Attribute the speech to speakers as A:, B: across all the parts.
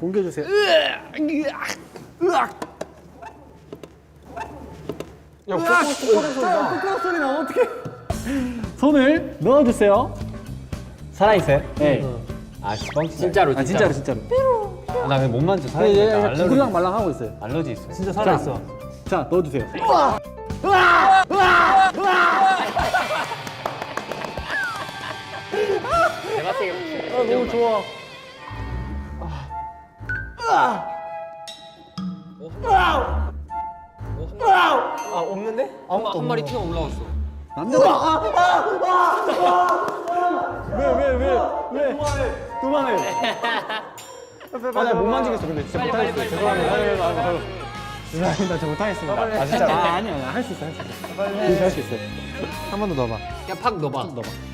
A: 공개해 주세요.
B: 야, 꼬꼬 소리 나. 어떡해.
A: 손을 넣어주세요.
C: 살아있어요?
A: 네.
C: 아, 뻥
D: 진짜로
A: 아 진짜로 진짜로.
C: 나 근데 못 만져.
A: 예,
C: 살아있어.
A: 예, 기구랑 말랑 하고 있어요.
C: 알러지 있어.
B: 진짜 살아있어.
A: 자 넣어주세요.
D: 너무 좋아.
B: 아, 없는데?
D: 한 마리 튀어 올라왔어.
A: 남자들.
B: 왜? 그만해. 나 못 만지겠어. 근데 진짜 못하겠어. 죄송합니다. 죄송합니다. 저 못하겠습니다. 아, 진짜.
A: 아니야 할 수 있어 할 수 있어. 빨리 할 수 있어요.
B: 한 번 더 넣어봐.
D: 야, 팍 넣어봐.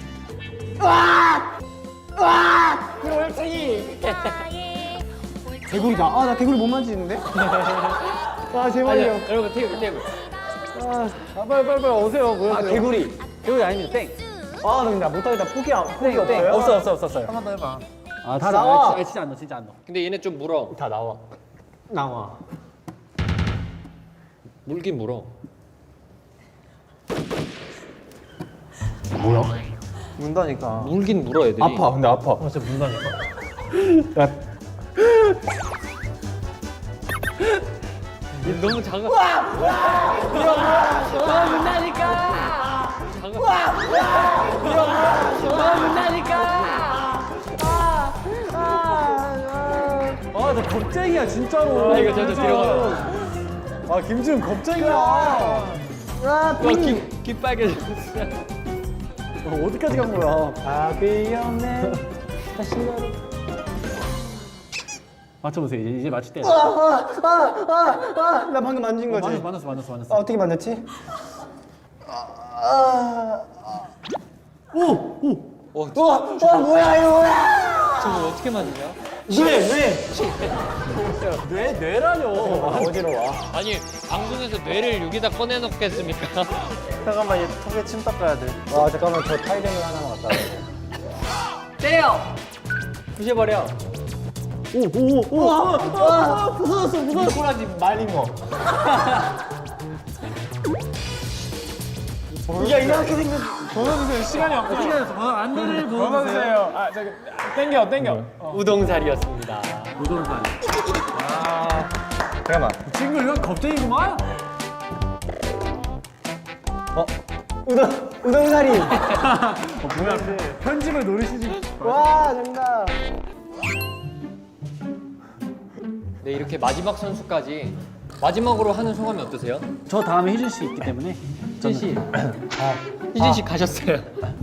B: 개구리다. 아, 나 개구리 못 만지는데? 아, 제발요.
D: 여러분 테이블.
B: 빨리 오세요.
A: 아 개구리. 개구리 아닙니다. 땡.
B: 아, 나 근데 못하겠다. 포기 없어요? 없었어요. 한 번 더 해봐.
A: 아
B: 다 나와.
A: 진짜 안 넣어 진짜 안 넣어.
D: 근데 얘네 좀 물어.
B: 다 나와. 나와.
D: 물긴 물어.
B: 문다니까.
D: 물긴 물어 애들이.
B: 아파, 근데 아파.
A: 진짜 문다니까.
D: 너무 작아.
B: 아, 나 겁쟁이야, 진짜로.
D: 아, 이거 저도 들어가요.
B: 아, 김지훈 겁쟁이야.
D: 귀 빨개졌어.
B: 어디까지 간 거야? 아비였네.
A: 맞춰보세요. 이제 맞출 때.
B: 나 방금 만진 거지?
A: 만났어.
B: 어떻게 만졌지? 뭐야, 이거 뭐야?
D: 저거 어떻게 만드냐?
B: 뇌라뇨. 어지러워.
D: 아니 방송에서 뇌를 여기다 꺼내놓겠습니까?
B: 잠깐만, 얘 턱에 침 닦아야 돼. 와, 잠깐만, 저 타이레놀 하나만 갖다 줘.
D: 때려. 부셔버려.
B: 무서웠어. 꼬라지 말린 거. 야, 이렇게 생겼. 번호주세요. 시간이 없어.
A: 안내를
B: 번호주세요. 아, 저기 땡겨.
D: 우동살이었습니다.
A: 우동산.
B: 잠깐만.
A: 친구 이건 겁쟁이구만.
B: 우동사리.
A: 뭐야? 편집을 노리시지.
B: 와, 정답.
D: 네, 이렇게 마지막 선수까지 마지막으로 하는 소감이 어떠세요?
A: 저 다음에 희준 씨 있기 때문에.
D: 희진 씨. 희진 씨 가셨어요.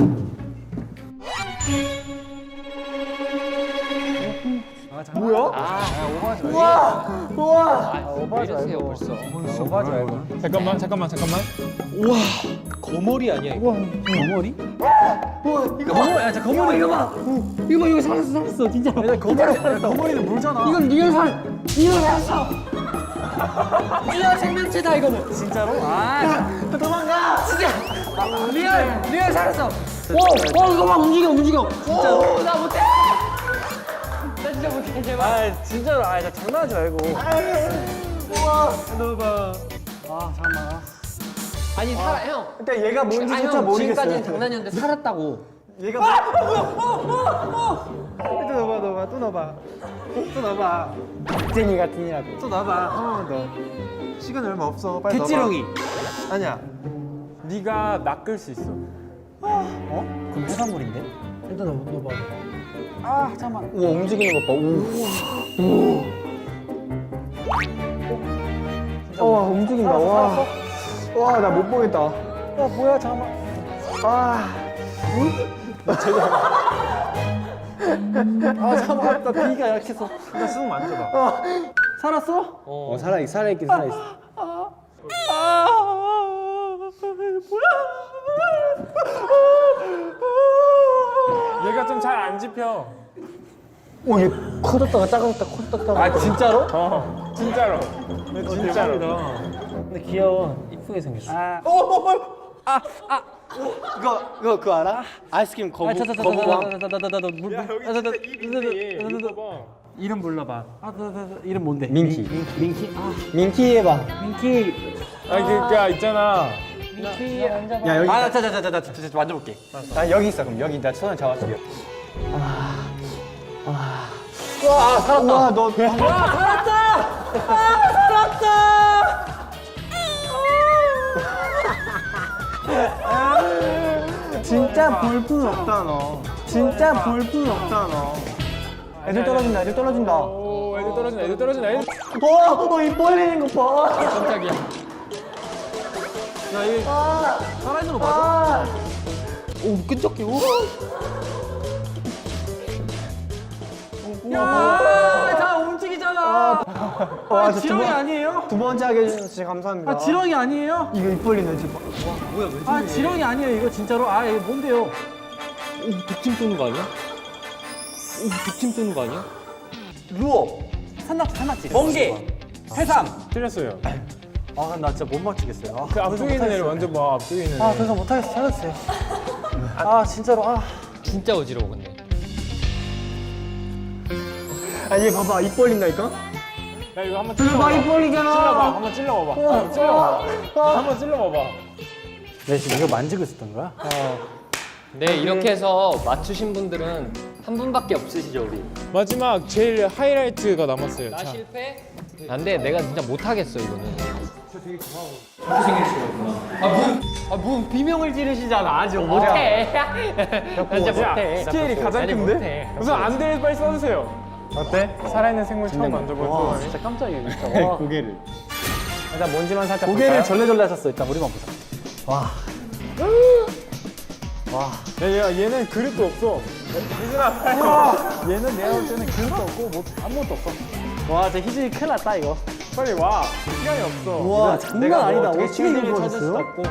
B: 뭐야?
D: 우와.
B: 오버하지
D: 이러세요
B: 말고.
D: 벌써.
B: 오버하지 말고.
E: 잠깐만.
D: 우와. 거머리 아니야 이거?
A: 거머리? 야, 자 거머리 이거 봐. 이거 살았어 진짜. 야, 거머리는 물잖아.
D: 이건 리얼 살았어. 리얼 생명체다 이거는.
A: 진짜로? 아,
B: 도망가.
D: 진짜. 리얼 살았어. 이거 막 움직여. 진짜로? 나 못해. 나 진짜 못해 제발.
B: 아, 진짜로. 아, 나 장난하지 말고.
A: 넣어봐. 아 잠깐만.
D: 아니 살아 형.
B: 일단 얘가 뭔지 조차
D: 형
B: 모르겠어요.
D: 지금까지는 장난이었는데 살았다고.
B: 얘가 또 넣어봐. 쟁이 같으니라고. 또 넣어봐. 한 번 더. 시간 얼마 없어. 빨리 넣어봐.
A: 개찌렁이.
B: 아니야.
E: 네가 낚을 수 있어.
A: 그럼 해산물인데? 일단 넣어봐. 아 잠깐만.
B: 우와, 움직이는 것 봐. 와, 움직인다. 와, 나 못 보겠다.
A: 뭐야 잠깐만. 아 잠깐만. 나 비위가 약해서.
B: 일단 쓱 만져봐.
A: 살았어?
B: 살아있긴 살아있어.
E: 얘가 좀 잘 안 집혀.
B: 오, 얘 커졌다가 작아졌다가.
A: 아 진짜로?
E: 진짜로. 진짜로.
A: 근데 귀여워. 이쁘게 생겼어.
B: 그거 알아? 아이스크림 거북.
E: 야, 여기 진짜 입인데 얘. 이거 봐.
A: 이름 불러봐. 이름 뭔데?
C: 민키.
A: 민키. 아,
C: 민키 해봐.
A: 민키.
E: 아 그러니까 있잖아.
A: 민키 앉아봐.
C: 야 여기.
A: 자자자자 만져볼게.
C: 아 여기 있어 그럼 여기 나 손을 잡아줄게.
A: 와 살았다.
C: 와 너.
A: 와 살았다. 아 살았다.
B: 진짜 볼품 없다 너. 진짜 볼품 없다 너. 애들 떨어진다. 애들 떨어진다.
E: 오 애들 떨어진다. 애들 떨어진다. 애들.
B: 입 벌리는 거 봐.
D: 깜짝이야.
A: 야 이게 살아있는 거 맞아?
B: 오 끈적해. 오.
A: 야, 다 움직이잖아.
B: 와,
A: 지렁이 아니에요?
B: 두 번째 하게 해주셔서 진짜 감사합니다.
A: 아 지렁이 아니에요?
B: 이거 입 벌리네 지금.
A: 아 지렁이 아니에요 이거 진짜로. 아 이거 뭔데요?
D: 독침 쏘는 거 아니야? 독침 쏘는 거 아니야?
A: 루어. 산낙지. 멍게. 해삼.
E: 틀렸어요.
A: 아 나 진짜 못 맞추겠어요.
E: 그 앞쪽에 있는 애를 먼저 봐. 앞쪽에 있는 애.
A: 아 그래서 못하겠어. 찾았어요. 아 진짜로 아.
D: 진짜 어지러워 근데.
B: 아 얘 봐봐 입 벌린다니까.
E: 야 이거 한번
B: 봐, 입 벌리잖아.
E: 찔러봐. 한번 찔러봐봐. 한번 찔러봐봐. 한번 찔러봐봐.
A: 내 지금 이거 만지고 있었던 거야?
D: 네 이렇게 해서 맞추신 분들은 한 분밖에 없으시죠 우리.
E: 마지막 제일 하이라이트가 남았어요.
D: 나
E: 자.
D: 실패? 안돼 내가 진짜 못하겠어 이거는. 뭐 비명을 지르시잖아. 아직 못해. 나 진짜 못해.
E: 스케일이 가장
D: 아니,
E: 큰데?
D: 못해.
E: 우선 안대를 빨리 써주세요. 어때? 살아있는 생물 처음 만져본
A: 와
E: 소감이?
A: 진짜 깜짝이야 진짜. 와.
C: 고개를.
B: 일단 먼지만 살짝.
A: 고개를
B: 볼까요?
A: 절레절레 하셨어. 일단 우리만 보자. 와. 와.
E: 야 얘는 그릇도 없어. 희준아 빨리.
A: 얘는 내가 볼 때는 그릇도 없고 뭐 아무것도 없어. 와, 진짜 희준이 큰일 났다 이거.
E: 빨리 와. 시간이 없어.
A: 와, 장난 아니다.
B: 어떻게
A: 어떻게 이걸
B: 찾을 수도
A: 찾았어요?
B: 없고.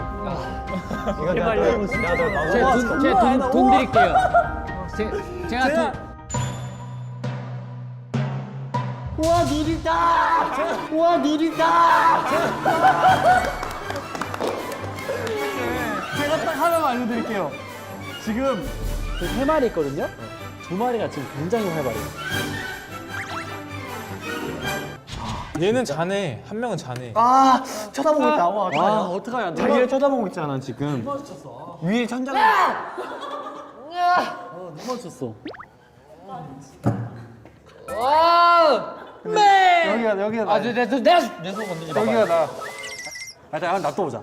D: 제가 돈 드릴게요. 제가 돈.
A: 와, 눈이다. 와, 눈이다. 제가 딱 하나만 알려드릴게요. 지금 그 3마리 있거든요. 2마리가 지금 굉장히 활발해요.
E: 얘는 자네. 한 명은 자네.
B: 아 쳐다보고 있다. 와,
A: 와, 어떡하냐.
B: 자기를 쳐다보고 있잖아 지금. 위에 천장.
A: 누가 쳤어?
D: 와. 네.
B: 여기가
D: 아, 내손 건드지 마.
B: 여기가 나.
A: 일단 놔둬보자.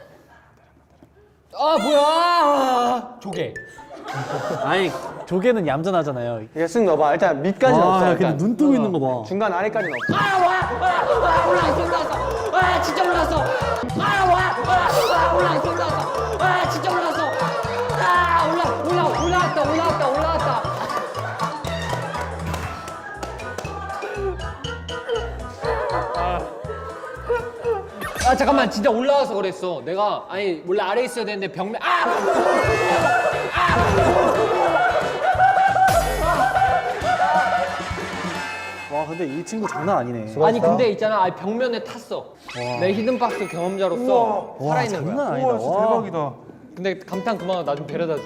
D: 아 뭐야? 조개.
A: 아니, 조개는 얌전하잖아요.
B: 이거 쓱 넣어봐. 일단 밑까지는
A: 와,
B: 없어.
A: 야, 근데
B: 일단.
A: 눈 뜨고 있는 거 봐.
B: 중간 아래까지는 없어.
F: 올라왔어. 진짜 올라왔어. 올라왔어. 진짜 올라왔어. 올라왔다.
D: 아 잠깐만 진짜 올라와서 그랬어. 내가 아니 원래 아래 있어야 되는데 벽면
A: 와, 근데 이 친구 장난 아니네.
D: 아니 근데 있잖아 아니, 벽면에 탔어. 내 히든박스 경험자로서 살아있는 거야.
A: 장난 아니다. 와.
E: 대박이다.
D: 근데 감탄 그만하고 나 좀 데려다 줘.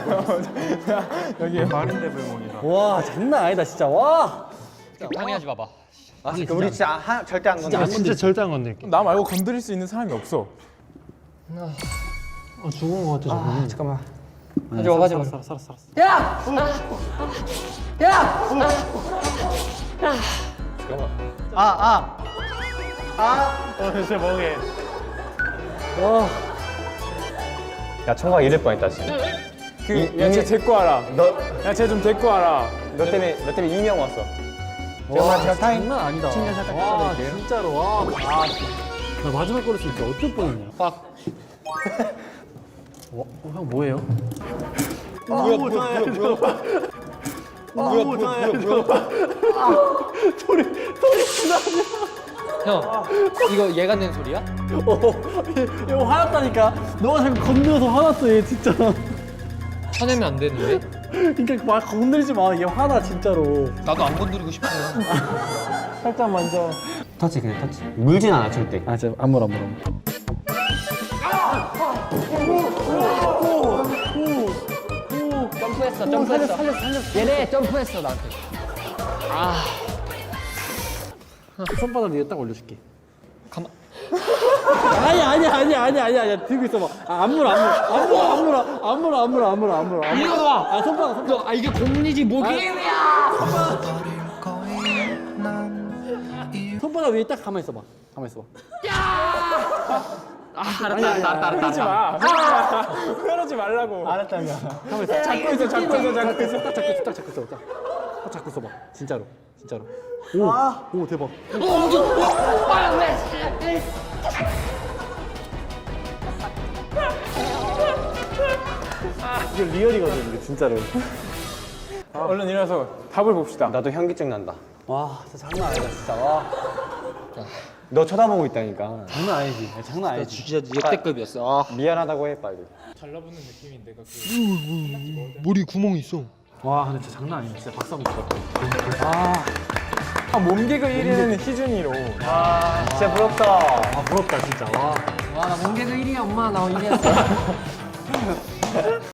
E: 여기 마린데 불멍이다.
A: 와, 장난 아니다, 진짜. 와.
D: 방해하지 마봐.
B: 우리 진짜 절대 안 건드려.
A: 진짜 절대 안 건들게.
E: 나 말고 건드릴 수 있는 사람이 없어.
A: 죽은 거 같아, 저거.
B: 잠깐만.
D: 하지 마, 하지 마.
A: 살았어.
B: 진짜 멍해.
A: 와.
C: 야 청각 잃을 뻔했다 지금.
E: 야쟤 데리고 와라.
C: 너
E: 야쟤 좀 데리고 와라.
C: 너 때문에 이명 왔어.
A: 와, 장난 아니다. 와, 진짜로. 와. 나 마지막 거를 진짜 어쩔 뻔했냐.
D: 빡.
A: 형 뭐예요?
D: 형 이거 얘가 낸 소리야?
A: 이거 화났다니까. 너가 자꾸 건드려서 화났어, 얘 진짜.
D: 화내면 안 되는데?
A: 그러니까 막 건드리지 마. 얘 화나 진짜로.
D: 나도 안 건드리고 싶어.
A: 살짝 만져.
C: 터치 그냥 터치. 물진 않아 절대.
A: 아, 진짜 안 물어.
D: 점프했어. 얘네 점프했어 나한테.
A: 손바닥 위에 딱 올려줄게. 아니야 들고 있어봐. 안 물어.
D: 이거 봐.
A: 아 손바닥.
D: 아 이게 공리지 뭐 게임이야.
A: 손바닥 위에 딱 가만 있어봐.
D: 알았다.
E: 그러지 마. 그러지 말라고.
C: 알았다며.
E: 잡고 있어.
A: 딱 잡고 있어봐. 진짜로. 오 대박.
B: 이게 리얼이거든 이게 진짜로.
E: 얼른 일어나서 답을 봅시다.
C: 나도 현기증 난다.
A: 와 진짜 장난 아니다 진짜. 와
C: 너 쳐다보고 있다니까.
A: 장난 아니지. 장난 아니지.
D: 진짜 역대급이었어.
C: 미안하다고 해 빨리.
A: 머리 구멍이 있어. 와 근데 진짜 장난 아니야. 진짜 박수 한번 쳐.
E: 몸개그 1위는 희준이로.
C: 진짜 부럽다.
A: 아 부럽다 진짜. 와.
F: 와 나 몸개그 1위야 엄마 나 1위였어.